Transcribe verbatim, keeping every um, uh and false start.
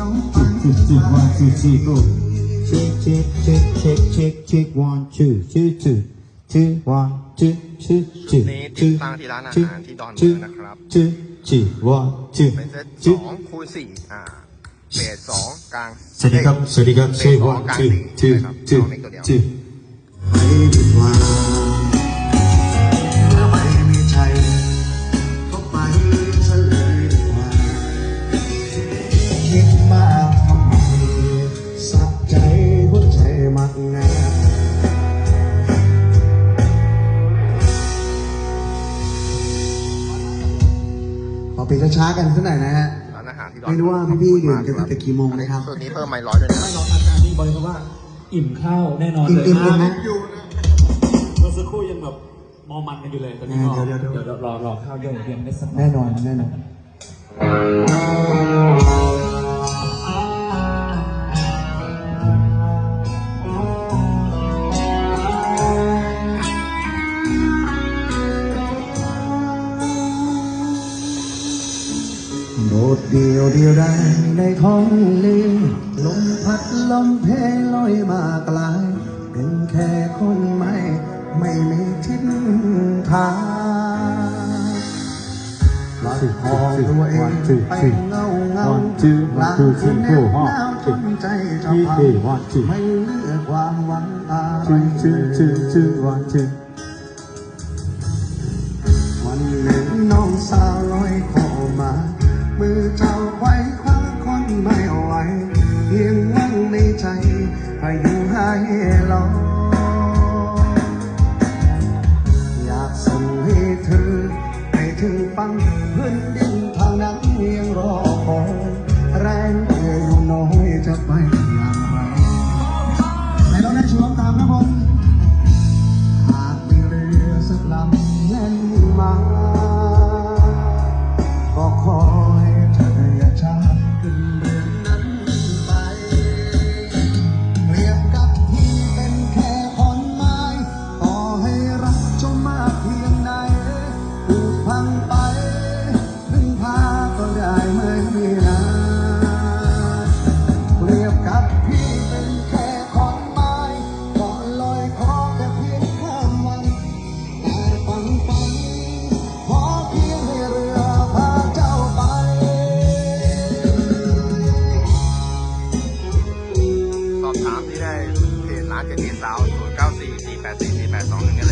Check, check, one, two, three, go. Check, check, check, check, check, check, one, two, two, two, two, one, two, two, two, นี่ติด two, ตั้งที่ร้านอา two, หารที่ดอนเมือง two, นะครับ two, two, one, two, เป็นเซตส two. องคูณสี่อ่าเบสสองกลางสวัสดีครับสวัสดีครับ check one, two, two, two, two. ไม่ดีกว่าถ้าไม่มีใจก็ไปซะเลยดีกว่าคิดมากทำไมสักใจหัวใจมักงาขอปิดช้าๆกันสักหน่อยนะฮะร้านอาหารที่ดอนไม่รู้ว่าพี่ๆดื่มกันตั้งแต่กี่โมงนะครับส่วนนี้เพิ่มไมล์ร้อยด้วยนะไม่รออาจารย์นี่บอกเลยว่าอิ่มข้าวแน่นอนเลยอิ่มๆนะเมื่อสักครู่ยังแบบมอมันกันอยู่เลยตอนนี้ก็เดี๋ยวๆๆเดี๋ยวรอรอข้าวเยอะเพียงได้สักแน่นอนแน่นอนโดดเดียวเดียวได้ในท้องลืมลมพัดลมเพลลอยมาไกลเป็นแค่คนไม่ไม่มีทิศทางหลับคอตัวเองไปเงาเงาหลังคืนแนวหนาวจนใจจะพังไม่เหลือความหวังอะไรเลยวันหนึ่งน้องสาวลอยคอมามือเจ้าไว้คว้าคนไม่ไหวเพียงหวังในใจให้อยู่ให้รออยากส่งให้เธอให้ถึงฟังพื้นดินทางนั้นยังรอคอยแรงเอ่ยอยู่น้อยจะไปอย่างไรไหนเราได้ชมตามนะผมหากมีเรือสักลำแล่นมาก็ขอให้เธออย่าช้าขึ้นเรือนั้นไปเปรียบกับที่เป็นแค่ขอนไม้ต่อให้รักเจ้ามากเพียงใดผูกพังไปพึ่งพาก็ได้ไม่นานเปรียบกับพี่เป็นแค่ขอนไม้ก็ลอยคอแค่เพียงข้ามวันแต่ฝันฝันขอเพียงให้เรือพาเจ้าไปสอบถามที่ได้เพจร้านเจนีสาวศูนย์เก้าสี่ สี่แปดสี่ สี่แปดสองหนึ่ง